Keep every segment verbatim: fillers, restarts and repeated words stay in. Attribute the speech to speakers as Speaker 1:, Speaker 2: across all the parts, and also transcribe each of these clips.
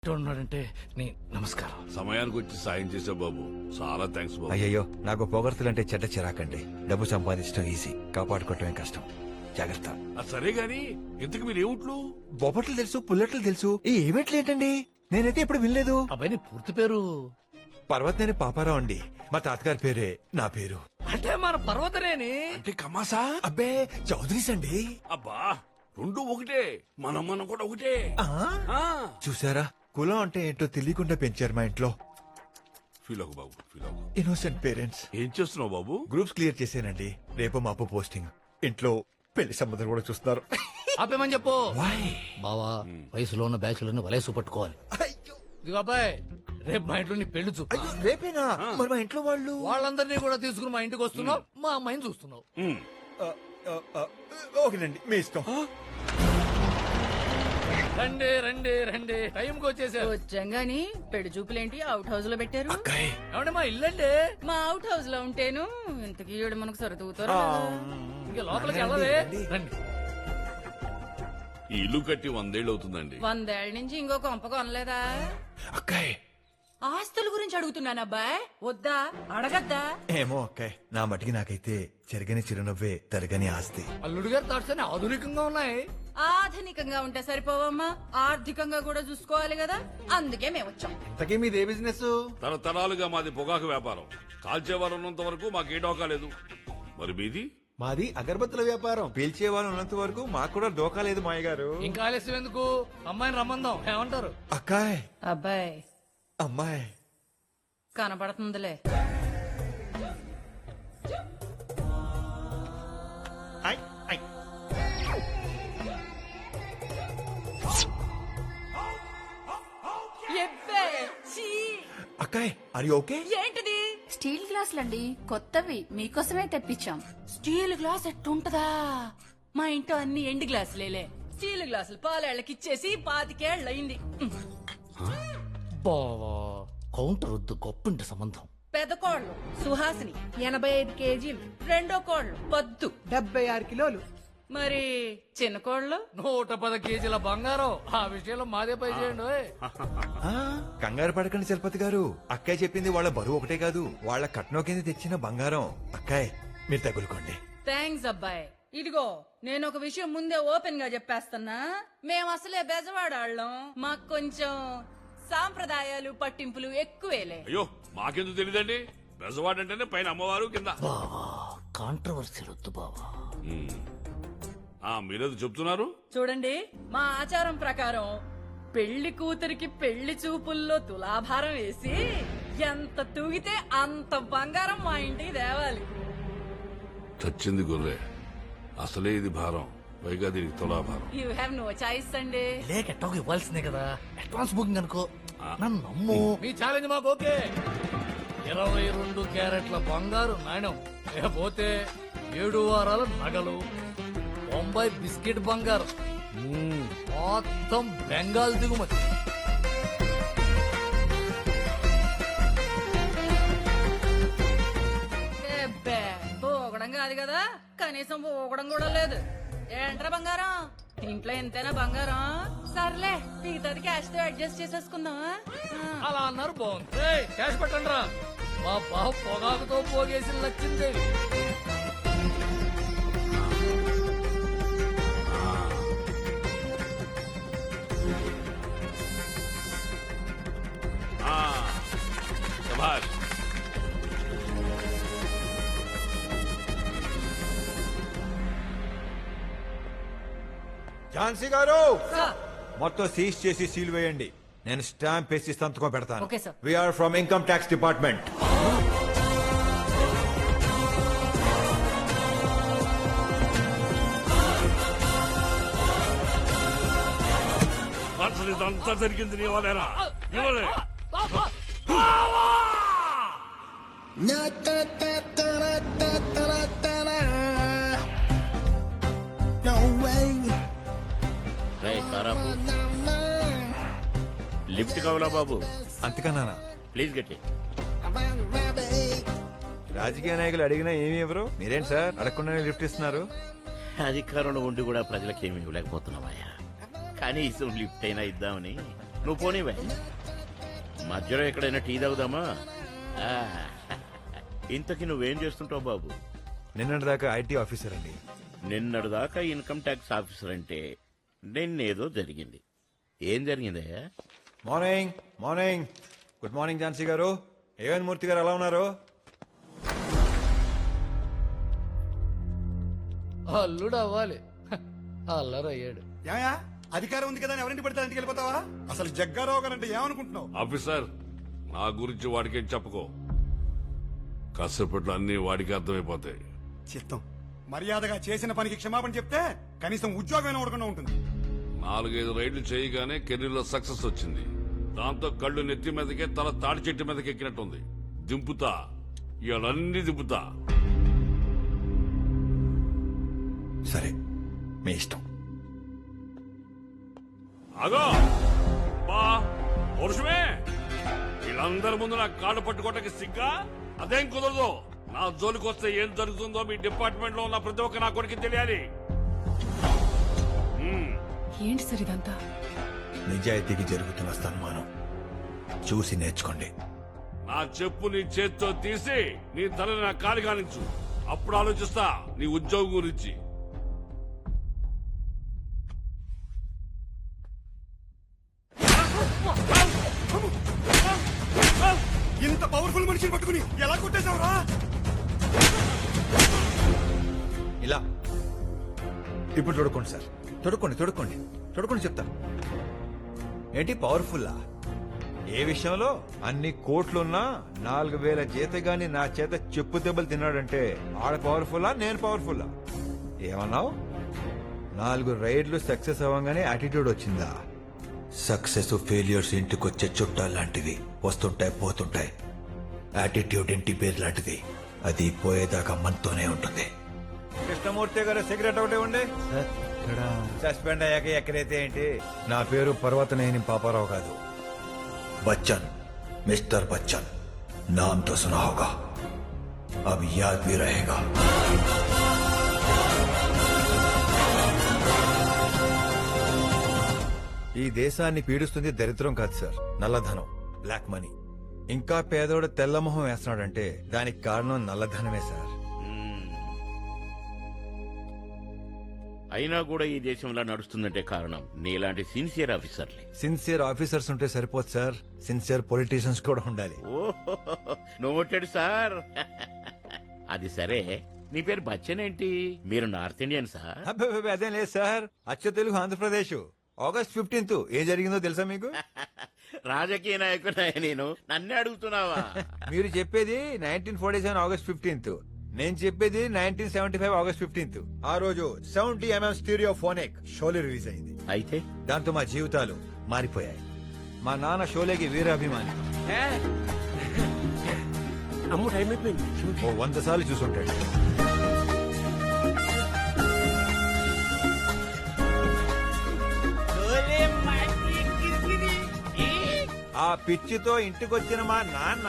Speaker 1: ఉన్నాడంటే నీ నమస్కారం.
Speaker 2: సమయానికి వచ్చి సాయం చేసా బాబు, చాలా థ్యాంక్స్ బాబు.
Speaker 3: అయ్యయ్యో, నాకు పొగడ్తలంటే చెడ్డ చిరాకండి. డబ్బు సంపాదించడం ఈజీ, కాపాడుకోవటమే కష్టం. జాగ్రత్త.
Speaker 2: ఆ సరే గాని ఇంతకు మీరు ఏమిట్లు?
Speaker 3: బొబ్బట్లు తెలుసు, పుల్లట్లు తెలుసు, ఈ ఈవెంట్లు ఏంటండి? నేనైతే ఎప్పుడు వినలేదు.
Speaker 1: అబ్బాయి నీ పూర్తి పేరు?
Speaker 3: పర్వతనేని పాపారావు అండి. మా తాతగారి పేరే నా పేరు.
Speaker 1: అంటే మన పర్వతనేని.
Speaker 2: అంటే కమాసా?
Speaker 3: అబ్బే, చౌదరీస్ అండి.
Speaker 2: అబ్బా, రెండు ఒకటే, మనం మనం కూడా ఒకటే.
Speaker 3: ఆ?
Speaker 2: ఆ.
Speaker 3: చూసారా, కులం అంటే ఏంటో తెలియకుండా పెంచారు మా ఇంట్లో.
Speaker 2: ఫీల్ అవ్వు బాబు, ఫీల్ అవ్వు.
Speaker 3: Innocent parents.
Speaker 2: ఏం చేస్తున్నావు బాబు?
Speaker 3: గ్రూప్స్ క్లియర్ చేశానండి. రేపు మాపు పోస్టింగ్. ఇంట్లో పెళ్లి సంబంధం కూడా చూస్తున్నారు.
Speaker 1: ఆపేమని చెప్పు.
Speaker 3: Why?
Speaker 1: బావా, వయసులో ఉన్న బ్యాచులను వలేసు పట్టుకోవాలి.
Speaker 3: అయ్యో,
Speaker 1: ఇదిగో అబ్బాయి, రేపు మా ఇంట్లో నీ పెళ్లి చూపు.
Speaker 3: అయ్యో, రేపేనా? మరి మా ఇంట్లో వాళ్ళు
Speaker 1: వాళ్ళందరినీ కూడా తీసుకుని మా ఇంటికి వస్తున్నావు, మా అమ్మాయిని చూస్తున్నావు.
Speaker 2: ఉమ్.
Speaker 3: ఆ, ఆ, ఆ, ఓకేనండి, మీ ఇష్టం.
Speaker 1: రండి రండి రండి, టైంకి వచ్చేసారు.
Speaker 4: వచ్చంగాని పెళ్లి చూపులేంటి అవుట్ హౌస్ లో పెట్టారు?
Speaker 3: అక్కాయ్,
Speaker 1: ఏమంటే మా ఇల్లండి.
Speaker 4: మా అవుట్ హౌస్ లో ఉంటేను ఇంతకీ ఈవిడ మనకు సరితూతారు.
Speaker 1: ఇంకా లోపలికి వెళ్ళవే. రండి.
Speaker 2: ఈ ఇల్లు కట్టి వందేళ్ళు అవుతుందండి.
Speaker 4: వందేళ్ల నుంచి ఇంకో కొంప కొనలేదా?
Speaker 3: అక్కాయ్.
Speaker 4: ఆస్తుల గురించి అడుగుతున్నాను అబ్బాయ్, వద్దా అడగద్దా?
Speaker 3: ఏమో అక్కాయ్, నా మటికి నాకైతే చెరగని చిరునవ్వే తరగని ఆస్తి.
Speaker 1: అల్లుడు గారి థాట్స్ అన్ని ఆధునికంగా ఉన్నాయి.
Speaker 4: ఆధునికంగా ఉంటే సరిపోవమ్మా, ఆర్థికంగా కూడా చూసుకోవాలి కదా, అందుకే మేము వచ్చాం.
Speaker 3: ఇంతకీ మీదే బిజినెస్?
Speaker 2: తరతరాలుగా మాది పొగాకు వ్యాపారం. కాల్చేవారు ఉన్నంత వరకు మాకే డోకా లేదు. మరి మీది?
Speaker 3: మాది అగరబత్తుల వ్యాపారం. పీల్చే వాళ్ళు ఉన్నంత వరకు మాకు కూడా డోకా లేదు మాయ గారు.
Speaker 1: ఇంకా ఆలస్యం ఎందుకు, అమ్మాయిని రమ్మందాం. ఏమంటారు?
Speaker 3: అక్కాయ్,
Speaker 4: అబ్బాయ్
Speaker 3: అమ్మాయి
Speaker 4: కనపడుతుందిలే.
Speaker 3: ఐ, ఐ.
Speaker 4: ఎబ్బే, ఛీ!
Speaker 3: అక్కాయ్, ఆర్ యు ఓకే?
Speaker 4: ఏంటిది?
Speaker 5: స్టీల్ గ్లాసులండి, కొత్తవి మీకోసమే తెప్పించాం.
Speaker 4: Steel glass ఎట్టుంటదా? మా ఇంట్లో అన్ని ఎండు గ్లాసులేలే. స్టీల్ గ్లాసులు పాలేళ్ళకి ఇచ్చేసి పాతికేళ్లయింది.
Speaker 1: బావా, కౌంటర్ వద్దు, గొప్పింటి సంబంధం.
Speaker 4: పెద్ద కోళ్ళు సుహాసిని ఎనభై ఐదు కేజీలు, రెండో కోళ్ళు పద్దు
Speaker 6: డెబ్బై ఆరు కిలోలు.
Speaker 4: మరి చిన్న కోళ్ళు
Speaker 1: నూట పది కేజీల బంగారం. ఆ విషయంలో మాదే పై చేయండి. ఓయ్.
Speaker 3: ఆ, కంగారు పడకండి చలపతి గారు. అక్కాయ్ చెప్పింది వాళ్ళ బరువు ఒకటే కాదు, వాళ్ళ కట్నం కింద తెచ్చిన బంగారం. అక్కాయ్, మీరు తగులుకోండి.
Speaker 4: థ్యాంక్స్ అబ్బాయి. ఇదిగో, నేను ఒక విషయం ముందే ఓపెన్ గా చెప్పేస్తున్నా. మేము అసలే బెజవాడాళ్ళం, మాకు కొంచెం సాంప్రదాయాలు పట్టింపులు ఎక్కువేలే.
Speaker 2: అయ్యో, మాకెందుకు తెలియదండి. బెజవాడంటేనే పైన అమ్మవారు, కింద.
Speaker 1: బావా, కాంట్రవర్సీ వద్దు బావా.
Speaker 2: ఉమ్. ఆ మీరేదో చెప్తున్నారు?
Speaker 4: చూడండి, మా ఆచారం ప్రకారం పెళ్లి కూతురికి పెళ్లి చూపుల్లో తులాభారం వేసి ఎంత తూగితే అంత బంగారం మా ఇంటికి తేవాలి.
Speaker 2: చచ్చింది గొర్రె, అసలే ఇది భారం, పైగా దీనికి తులాభారం.
Speaker 4: యూ హ్యావ్ నో చాయిస్ అండి.
Speaker 1: లేక ఎట్టోకి ఇవ్వాల్సిందే కదా. అడ్వాన్స్ బుకింగ్ అనుకో. నన్ను నమ్ము. మీ ఛాలెంజ్ మాకు ఓకే. ఇరవై రెండు క్యారెట్ల బంగారు నాణ్యం, లేకపోతే ఏడు వారాల నగలు, బొంబాయి బిస్కెట్ బంగారం, మ్మ్, మొత్తం బెంగాల్ దిగుమతి.
Speaker 4: ఎబ్బే, పోగడం కాదు కదా, కనీసం పోగడం కూడా లేదు. ఏంట్రా బంగారం, ఇంట్లో ఎంతైనా బంగారం. సర్లే, మిగతాది క్యాష్ తో అడ్జస్ట్ చేసేసుకుందామా?
Speaker 1: అలా అన్నారు, బాగుంది. ఏయ్, క్యాష్ పెట్టండి రా. మా బావ పొగాకుతో పోగేసి లచ్చిందేవి.
Speaker 2: ఆ, శభాష్.
Speaker 3: ఝాన్సీ గారు,
Speaker 4: సార్.
Speaker 3: మొత్తం సీజ్ చేసి సీల్ వేయండి. నేను స్టాంప్ వేసి సంతకం పెడతాను.
Speaker 4: Okay, sir.
Speaker 3: We are from income tax department.
Speaker 2: అసలు ఇదంతా జరిగింది నీ వల్లేనా? నీ వల్లే.
Speaker 7: లిఫ్ట్ కావాలా బాబు?
Speaker 3: అంతకన్నా
Speaker 7: ప్లీజ్ గట్టి.
Speaker 3: రాజకీయ నాయకులు అడిగినా ఏమి ఎవరు? మీరేంటి సార్ అడగకుండానే లిఫ్ట్ ఇస్తున్నారు?
Speaker 7: అధికారంలో ఉండి కూడా ప్రజలకు ఏమి ఇవ్వలేకపోతున్నామయ్యా. కనీసం లిఫ్ట్ అయినా ఇద్దామని.
Speaker 6: నువ్వు పోనీవే. మధ్యలో ఎక్కడైనా టీ తాగుదామా? ఆ, ఇంతకీ నువ్వేం చేస్తుంటావు బాబు?
Speaker 3: నిన్నటి దాకా ఐటీ ఆఫీసర్ అండి.
Speaker 6: నిన్నటి దాకా ఇన్కమ్ ట్యాక్స్ ఆఫీసర్ అంటే నిన్నేదో జరిగింది. ఏం జరిగిందయ్యా?
Speaker 3: Morning morning good morning Jhansi garu. A one మూర్తి గారు ఎలా ఉన్నారు?
Speaker 1: అల్లుడు అవ్వాలి. హ, అల్లరయ్యాడు.
Speaker 7: ఏమయ్యా అధికారం ఉంది కదా అని ఎవరింటి పడితే ఇంటికి వెళ్ళిపోతావా? అసలు జగ్గారావు గారు అంటే ఏమనుకుంటున్నావు?
Speaker 2: ఆఫీసర్, నా గురించి వాడికేం చెప్పుకో. కాసేపట్లో అన్ని వాడికి అర్థమైపోతాయి.
Speaker 7: చిత్తం మర్యాదగా చేసిన పనికి క్షమాపణ చెప్తే కనీసం ఉద్యోగం ఉండకుండా ఉంటుంది.
Speaker 2: నాలుగైదు రైళ్లు చేయగానే కెరీర్లో సక్సెస్ వచ్చింది. దాంతో కళ్ళు నెత్తి మీదకే తల తాడి చెట్టు మీదకి ఎక్కినట్టుంది. దింపుతా, ఇవన్నీ దింపుతా.
Speaker 3: సరే మీ ఇష్టం.
Speaker 2: అగో బా పురుషమే, వీళ్ళందరి ముందు నా కాళ్ళు పట్టుకోవటానికి సిగ్గా? అదేం కుదరదు. నా జోలికి వస్తే ఏం జరుగుతుందో మీ డిపార్ట్మెంట్ లో ఉన్న ప్రతి ఒక్క నా కొడుకు తెలియాలి. మ్మ్.
Speaker 8: ఏంటి సార్ ఇదంతా?
Speaker 3: నిజాయితీకి జరుగుతున్న సన్మానం చూసి నేర్చుకోండి.
Speaker 2: నా చెప్పు నీ చేత్తో తీసి నీ తలని నా కాలి కానించు. అప్పుడు ఆలోచిస్తా నీ ఉద్యోగం గురించి.
Speaker 7: ఇంత పవర్ఫుల్ మనిషిని పట్టుకుని ఎలా కొట్టేశావురా?
Speaker 3: ఇలా ఇప్పుడు తొడుక్కోండి సార్. తొడుక్కోండి తొడుక్కోండి తొడుక్కోండి చెప్తా. ఏంటి పవర్ఫుల్లా? ఏ విషయంలో? అన్ని కోట్లున్నా నాలుగు వేల జీతగాని నా చేత చెప్పు దెబ్బలు తిన్నాడంటే ఆడ పవర్ఫుల్లా నేను పవర్ఫుల్లా? ఏమన్నావు? నాలుగు రైడ్లు సక్సెస్ అవ్వగానే యాటిట్యూడ్ వచ్చిందా? సక్సెస్ ఫెయిల్యూర్స్ ఇంటికొచ్చే చుట్టాలు లాంటివి, వస్తుంటాయి పోతుంటాయి. యాటిట్యూడ్ ఇంటి పేరు లాంటిది, అది పోయేదాకా మనతోనే ఉంటుంది. కృష్ణమూర్తి గారు సిగరెట్ ఒకటే ఉండే సస్పెండ్ అయ్యాక ఎక్కడైతే ఏంటి? నా పేరు పర్వతనేని పాపారావు కాదు, బచ్చన్, మిస్టర్ బచ్చన్. నామ్ తో సునా హోగా, అబ్ యాద్ భీ రహేగా. ఈ దేశాన్ని పీడిస్తుంది దరిద్రం కాదు సార్, నల్లధనం, బ్లాక్ మనీ. ఇంకా పేదోడు తెల్లమొహం వేస్తున్నాడంటే దానికి కారణం నల్లధనమే సార్.
Speaker 6: అయినా కూడా ఈ దేశంలో నడుస్తుందంటే కారణం నీలాంటి సిన్సియర్ ఆఫీసర్లే.
Speaker 3: సిన్సియర్ ఆఫీసర్స్ ఉంటే సరిపోదు సార్, సిన్సియర్ పొలిటీషియన్స్ కూడా ఉండాలి.
Speaker 6: ఓహో, నోటెడ్ సార్. అది సరే, నీ పేరు బచ్చన్ ఏంటి? మీరు నార్త్ ఇండియన్ సార్?
Speaker 3: అబ్బబ్బబ్బ, అదేం లేదు సార్, అచ్చ తెలుగు ఆంధ్రప్రదేశ్. ఆగస్ట్ ఫిఫ్టీన్త్ ఏం జరిగిందో తెలుసా మీకు?
Speaker 6: రాజకీయ నాయకుడు నేను, నన్నే అడుగుతున్నావా?
Speaker 3: మీరు చెప్పేది nineteen forty seven August fifteenth, నేను చెప్పేది nineteen seventy five August fifteenth. ఆ రోజు seventy MM stereophonic Sholay release అయింది.
Speaker 6: అయితే
Speaker 3: దాంతో మా జీవితాలు మారిపోయాయి. మా నాన్న షోలేకి వీరాభిమాని,
Speaker 6: అమ్ము టైం అయిపోయింది.
Speaker 3: ఓ వంద సార్లు చూసుంటాడు. ఆ పిచ్చితో ఇంటికొచ్చిన మా నాన్న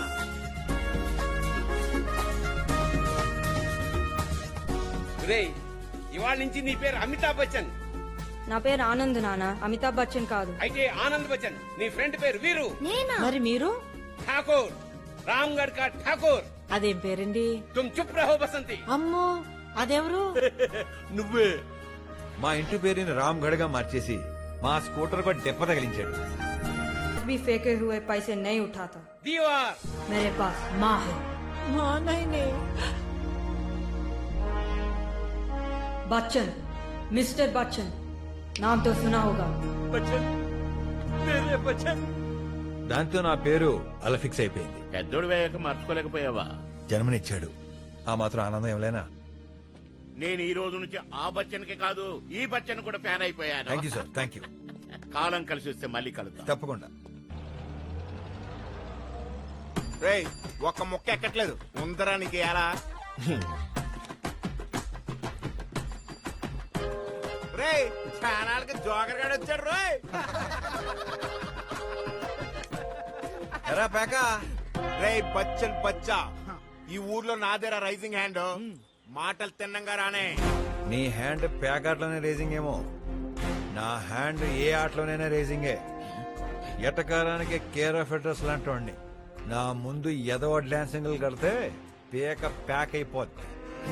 Speaker 9: ఇవాళ నుంచి నీ పేరు అమితాబ్ బచ్చన్.
Speaker 10: నా పేరు ఆనంద్ నాన్న, అమితాబ్ బచ్చన్ కాదు.
Speaker 9: అయితే ఆనంద్ బచ్చన్. నీ ఫ్రెండ్ పేరు వీరు.
Speaker 10: మరి మీరు?
Speaker 9: ఠాకూర్, రామ్గఢ్ కా ఠాకూర్.
Speaker 10: అదేం పేరండి?
Speaker 9: తుమ్ చుప్ రహో బసంతి.
Speaker 10: అమ్మో, అదెవరు?
Speaker 3: నువ్వే. మా ఇంటి పేరుని రామ్ గఢ్ గా మార్చేసి మా స్కూటర్ को దెబ్బ తగిలించాడు.
Speaker 10: भी फेंके हुए पैसे नहीं उठाता.
Speaker 9: दीवार
Speaker 10: मेरे पास माँ है. माँ नहीं नहीं. बच्चन, मिस्टर बच्चन, नाम तो सुना होगा.
Speaker 6: బచ్చన్, మేరే బచ్చన్.
Speaker 3: దాంతో నా పేరు అలా ఫిక్స్ అయిపోయింది.
Speaker 6: పెద్దోడు వేయక మర్చుకోలేకపోయావా?
Speaker 3: జన్మనిచ్చాడు, ఆ మాత్రం ఆనందం ఏమలేనా?
Speaker 6: నేను ఈ రోజు నుంచి ఆ బచ్చన్ కి కాదు, ఈ బచ్చన్ కూడా ఫ్యాన్ అయిపోయాను.
Speaker 3: Thank you sir, thank you.
Speaker 6: కాలం కలిసి వస్తే మళ్ళీ కలుద్దాం.
Speaker 3: తప్పకుండా.
Speaker 7: రేయ్ ఒక్క ముక్క ఎక్కట్లేదు, ఉందరా నీకు ఎలా? రేయ్ ఛానల్కి జోకర్ గాడు వచ్చాడు. రోయ్
Speaker 3: ఎరా పేక.
Speaker 7: రేయ్ బచ్చన్ బచ్చా, ఈ ఊర్లో నాదేరా రైజింగ్ హ్యాండ్. మాటలు తిన్నంగా రానే.
Speaker 3: నీ హ్యాండ్ ప్యాక్ ఆటలోనే రేసింగ్ ఏమో, నా హ్యాండ్ ఏ ఆటలోనైనా రేసింగే. ఎటకారానికి కేర్ ఆఫ్ అడ్రస్ లాంటి వాడిని. నా ముందు ఎదవ డాన్సింగ్లు కడితే పేక ప్యాక్ అయిపోద్ది.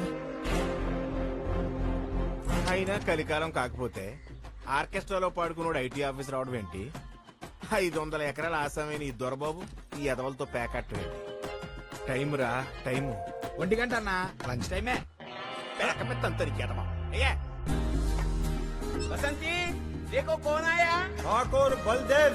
Speaker 7: అయినా కలికాలం కాకపోతే ఆర్కెస్ట్రాలో పాడుకున్నాడు ఐటీ ఆఫీసర్ అవడం ఏంటి? ఐదు వందల ఎకరాల ఆసామైన ఈ దొరబాబు ఈ ఎదవలతో ప్యాకెట్ ఏంటి? టైం రా టైము.
Speaker 9: ఒంటి గంట అన్న లంచ్ టైమే.
Speaker 7: ప్యాకెట్ ఎదవా అయ్యా.
Speaker 9: బసంతి దేకో కోన్ ఆయా.
Speaker 3: ఠాకూర్ బల్దేవ్